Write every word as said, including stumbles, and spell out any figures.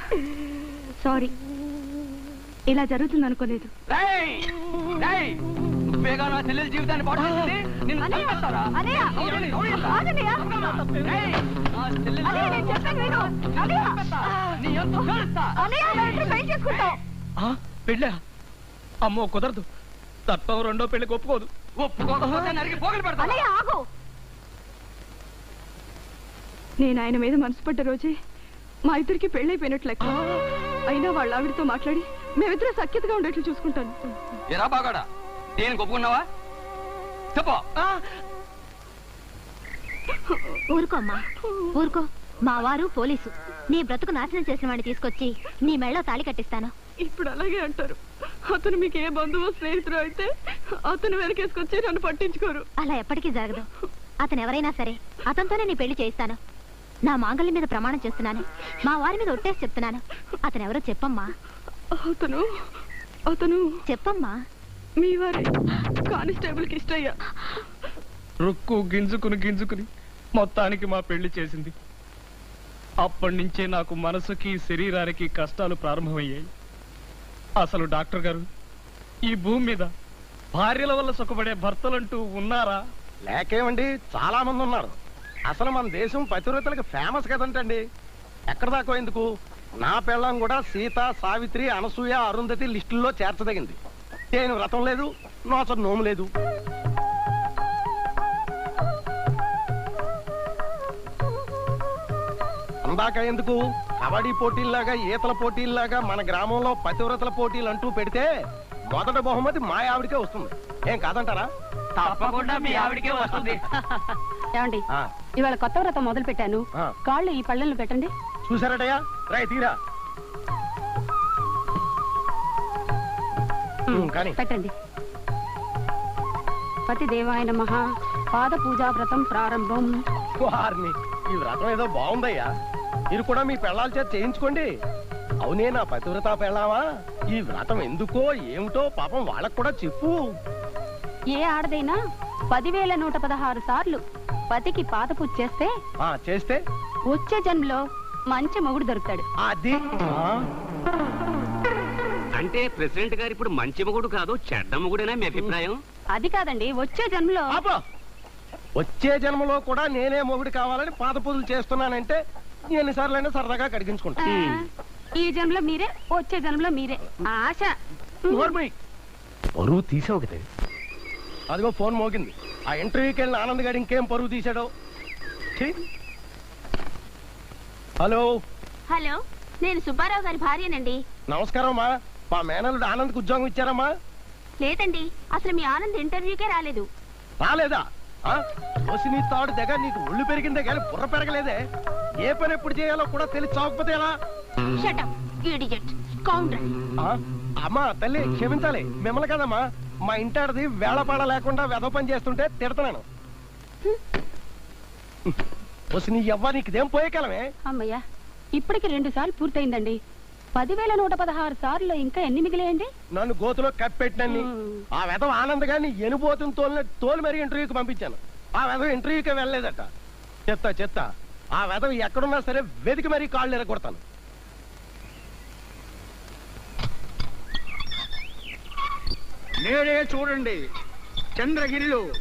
Sorry, ఇలా జరుగుతుంది అనుకోలేదు. నువ్వేగా నా చెల్లెల జీవితాన్ని పాటు చేసింది. నిన్ను చంపేస్తారా? పెళ్ళా? అమ్మో కుదరదు. తత్వం రెండో పెళ్లికి ఒప్పుకోదు. ఒప్పుకోకపోతే నరికి పోగలు పెడతా. నేను ఆయన మీద మనసు పడ్డ రోజే మా ఇద్దరికి పెళ్ళైపోయినట్లు లెక్క. అయినా వాళ్ళ ఆవిడతో మాట్లాడి మేమిద్దరం సఖ్యతగా ఉండేట్లు చూసుకుంటాను. ఎరా బాగాడా, నేను ఒప్పుకున్నావా? చెప్పు. ఊరుకో అమ్మా, ఊరుకో. మా వారు పోలీసు. నీ బ్రతుకు నాశనం చేసిన వాడిని తీసుకొచ్చి నీ మెళ్ళో తాళి కట్టిస్తాను. ఇప్పుడు అలాగే అంటారు. అతను మీకు ఏ బంధువు స్నేహితుడు అయితే అతను వెనకేసుకొచ్చి నన్ను పట్టించుకోరు. అలా ఎప్పటికీ జరగదు. అతను ఎవరైనా సరే అతనితోనే నీ పెళ్లి చేయిస్తాను. నా మాంగళ్యం మీద ప్రమాణం చేస్తున్నాను. మా వారి మీద ఒట్టేసి చెప్తున్నాను. అతను ఎవరో చెప్పమ్మా. అతను అతను చెప్పమ్మా. మీ వారి కానిస్టేబుల్ కి ఇష్టయ్యా. రుక్కు గింజుకుని గింజుకుని మొత్తానికి మా పెళ్లి చేసింది. అప్పటి నుంచే నాకు మనసుకి శరీరానికి కష్టాలు ప్రారంభమయ్యాయి. అసలు డాక్టర్ గారు, ఈ భూమి మీద భార్యల వల్ల సుఖపడే భర్తలంటూ ఉన్నారా? లేకేమండి, చాలా మంది ఉన్నారు. అసలు మన దేశం పతివ్రతలకు ఫేమస్ కదంటండి. ఎక్కడ దాకా ఎందుకు, నా పెళ్ళం కూడా సీత, సావిత్రి, అనసూయ, అరుంధతి లిస్టుల్లో చేర్చదగింది. నేను వ్రతం లేదు, నోచ నోము లేదు. అందాక ఎందుకు, కబడ్డీ పోటీల్లాగా, ఈతల పోటీల్లాగా మన గ్రామంలో పతివ్రతల పోటీలు అంటూ పెడితే మొదటి బహుమతి మా ఆవిడికే వస్తుంది. ఏం కాదంటారా? తప్పకుండా మీ ఆవిడికే వస్తుంది. ఏమండి, ఇవాళ కొత్త వ్రతం మొదలు పెట్టాను. కాళ్ళు ఈ పళ్ళెంలో పెట్టండి. చూసారటయ్యా, రై తీరా కానీ పెట్టండి. పతి దేవాయ నమః. పాద పూజా వ్రతం ప్రారంభం. వారిని, ఈ వ్రతం ఏదో బాగుందయ్యా. మీరు కూడా మీ పెళ్ళాల చేత చేయించుకోండి. అవునే నా పతివ్రత పెళ్ళావా, ఈ వ్రతం ఎందుకో ఏమిటో పాపం వాళ్ళకు కూడా చెప్పు. ఏ ఆడదైనా పదివేల నూట పదహారు సార్లు పతికి పాద పూజ చేస్తే ఆ చేస్తే వచ్చే జన్మలో మంచి మొగుడు దొరుకుతాడు. అది అంటే ప్రెసిడెంట్ గారు ఇప్పుడు మంచి మొగుడు కాదు, చెడ్డ మొగుడేనా మీ అభిప్రాయం? అది కాదండి, వచ్చే జన్మలో. వచ్చే జన్మలో కూడా నేనే మొగుడు కావాలని పాద పూజలు చేస్తున్నానంటే ఎన్నిసార్లైనా సరదాగా కడిగించుకుంటా. ఈ జన్మలో మీరే, వచ్చే జన్మలో మీరే. ఆశ. పరువు తీసావు కదా. అదిగో ఫోన్ మోగింది. ఆ ఇంటర్వ్యూకి వెళ్ళిన ఆనంద్ గారు ఇంకేం పరువు తీశాడో. హలో హలో, నేను సుబ్బారావు గారి భార్యనండి. నమస్కారం అమ్మా. మా మేనల్లుడు ఆనంద్కి ఉద్యోగం ఇచ్చారమ్మా? లేదండి, అసలు మీ ఆనంద్ ఇంటర్వ్యూకే రాలేదు. రాలేదా? నీ తాడు దగ్గర నీకు ఒళ్ళు పెరిగిందే కానీ బుర్ర పెరగలేదే. ఏ పని ఎప్పుడు చేయాలో కూడా తెలిసి చావకపోతే ఎలా? అమ్మా తల్లి క్షమించాలి, మిమ్మల్ని కదమ్మా. మా ఇంటాడిది వేళపాడ లేకుండా వెధ పని చేస్తుంటే తిడతాను. నీ ఎవ్వ నీకుదేం పోయే కాలమే. అమ్మయ్యా, ఇప్పటికి రెండు సార్లు పూర్తయిందండి. పదివేల నూట పదహారు సార్లు ఇంకా ఎన్ని మిగిలేయండి? నన్ను గోతులో కప్పెట్టినన్ని. ఆ వెధవ ఆనంద్ గారిని ఎనుబోతుని తోలిన తోలు మరి ఇంటర్వ్యూకి పంపించాను. ఆ వెధవ ఇంటర్వ్యూకి వెళ్ళలేదట. చెత్త చెత్త. ఆ వెధవ ఎక్కడున్నా సరే వెతికి మరీ కాళ్ళు ఎరగొడతాను. నేడే చూడండి, చంద్రగిరిలో